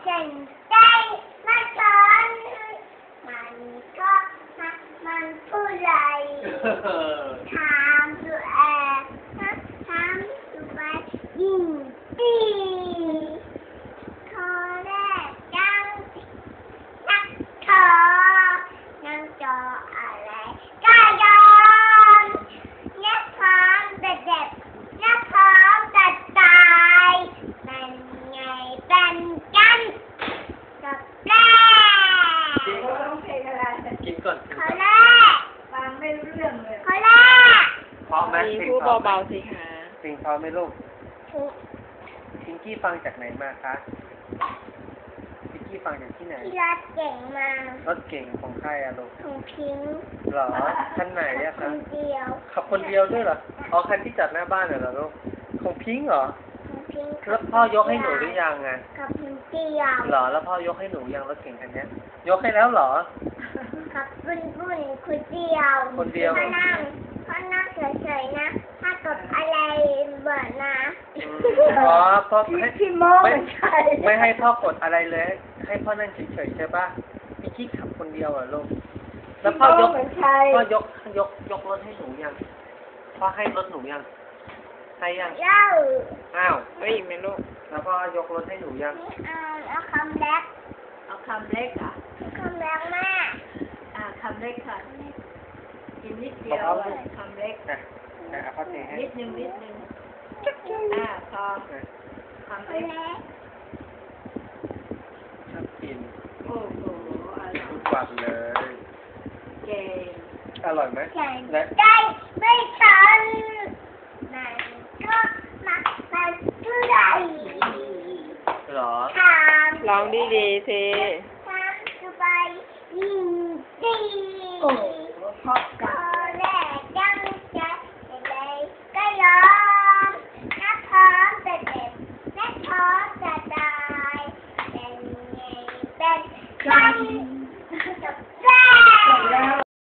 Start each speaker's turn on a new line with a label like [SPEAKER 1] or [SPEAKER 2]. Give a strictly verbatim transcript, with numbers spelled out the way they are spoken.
[SPEAKER 1] ฉันใจมาสอนมันก็มันผู้ไรถามตัวแอบถามตัวยิ่งดีข้อแรกยังนักเธอยังจออะไรก็ยอมนักพร้อมแต่เด็กนักพร้อมแต่ตายเป็นไงเป็นกันกับแรก
[SPEAKER 2] กินก่อน
[SPEAKER 1] ข้อแรก
[SPEAKER 3] ฟังไม่รู้เรื่องเลย
[SPEAKER 1] ข้อแรก
[SPEAKER 2] เพราะไหม
[SPEAKER 4] พูดเบาๆสิคะ
[SPEAKER 2] เพลงเพราะไหมลูก
[SPEAKER 1] ถูก
[SPEAKER 2] พิงกี้ฟังจากไหนมาคะพิงกี้ฟังจากที่ไหน
[SPEAKER 1] ที่รักเก่งมาก
[SPEAKER 2] รถเก่งของใครอะลูก
[SPEAKER 1] ของพิงค์
[SPEAKER 2] เหรอคันไหนอะ
[SPEAKER 1] ค
[SPEAKER 2] คะ
[SPEAKER 1] นเดียว
[SPEAKER 2] ขับคนเดียวด้วยเหรออ๋อคันที่จอดหน้าบ้านเหรอลูกของพิงค์เหรอ
[SPEAKER 1] ของพิงค์
[SPEAKER 2] แล้วพ่อยกให้หนูหรือยังอะ
[SPEAKER 1] กับพิงค์เดียว
[SPEAKER 2] เหรอแล้วพ่อยกให้หนูยังรถเก่งคันเนี้ย ยกให้แล้วเหรอ
[SPEAKER 1] กับบุญบุญคนเดียว
[SPEAKER 2] คนเดียว
[SPEAKER 1] พ่อนั่งพ่อนั่งเฉยๆนะ ถ้ากดอะไรเบิดนะ
[SPEAKER 2] อืมอ๋อพ่อ
[SPEAKER 3] พี่
[SPEAKER 2] ให้
[SPEAKER 3] พี่โม
[SPEAKER 2] ไม่
[SPEAKER 3] ไม่ใช่
[SPEAKER 2] ไม่ให้พ่อกดอะไรเลย ให้พ่อนั่งเฉยๆใช่ปะพิงกี้ขับคนเดียวเหรอลูกแล้วพ่อยก
[SPEAKER 3] ไม่ใช่
[SPEAKER 2] พ่อยกยกยกรถให้หนูยังพ่อให้รถหนูยังให้ยัง
[SPEAKER 1] เล่า
[SPEAKER 2] อ้าว
[SPEAKER 4] เฮ้ยไม่ลูก
[SPEAKER 2] แล้วพ่อยกรถให้หนูยัง
[SPEAKER 1] นี่เอาเอาคำแรก
[SPEAKER 3] เอาคำเล็กอ่ะ
[SPEAKER 1] คำแรกแม่
[SPEAKER 3] อ่าคำเล็กค่ะ กินนิดเดียวอะคำเล็ก
[SPEAKER 2] อ่ะอ่ะเอาพ่อเทให้
[SPEAKER 3] นิดนึงนิดนึงอ่าพอ
[SPEAKER 2] อ่ะ
[SPEAKER 3] คำ
[SPEAKER 1] คำ
[SPEAKER 3] เล็ก
[SPEAKER 1] แรก
[SPEAKER 2] ชอบกิน
[SPEAKER 3] โอ้โหอร่อย
[SPEAKER 2] ทุกวันเลย
[SPEAKER 3] เก่ง
[SPEAKER 2] อร่อยไหม
[SPEAKER 1] ฉัน
[SPEAKER 2] และ
[SPEAKER 1] ได้ไม่ทันมันก็มาเป็นผู้ใด
[SPEAKER 2] เหรอ
[SPEAKER 1] ถาม
[SPEAKER 4] ร้องดีๆสิ
[SPEAKER 1] ถามสบายยิ่งดี
[SPEAKER 3] โอ้โหชอบกัน